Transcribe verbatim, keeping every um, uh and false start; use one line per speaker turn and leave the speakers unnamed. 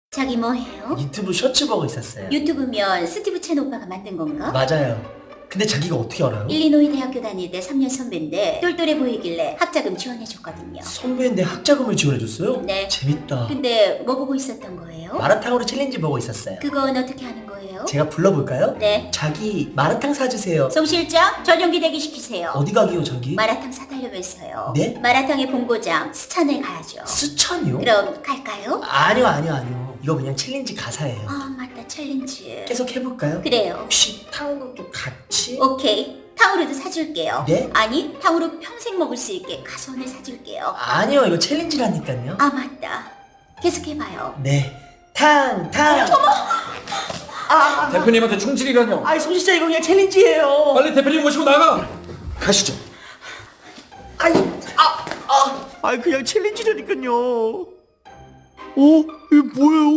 자기 뭐해요?
유튜브 셔츠 보고 있었어요.
유튜브면 스티브 첸 오빠가 만든 건가?
맞아요. 근데 자기가 어떻게 알아요?
일리노이 대학교 다닐 때 삼 년 선배인데 똘똘해 보이길래 학자금 지원해줬거든요.
선배인데 학자금을 지원해줬어요?
네.
재밌다.
근데 뭐 보고 있었던 거예요?
마라탕으로 챌린지 보고 있었어요.
그건 어떻게 하는 거예요?
제가 불러볼까요?
네.
자기 마라탕 사주세요.
송 실장 전용기 대기시키세요.
어디 가기요 자기?
마라탕 사달라면서요.
네?
마라탕의 본고장 스찬을 가야죠.
스찬이요?
그럼 갈까요?
아니요 아니요 아니요. 이거 그냥 챌린지 가사예요.
아 맞다 챌린지.
계속 해볼까요?
그래요.
혹시 탕후루도 같이?
오케이. 탕후루도 사줄게요.
네?
아니 탕후루 평생 먹을 수 있게 가선을 사줄게요.
아니요 이거 챌린지라니까요.
아 맞다. 계속해봐요.
네. 탕 탕. 아,
대표님한테 충질이라뇨.
아이 손 진짜 이거 그냥 챌린지예요.
빨리 대표님 모시고 나가. 가시죠.
아이 아 아. 아이 그냥 챌린지라니까요. 어? 이게 뭐예요?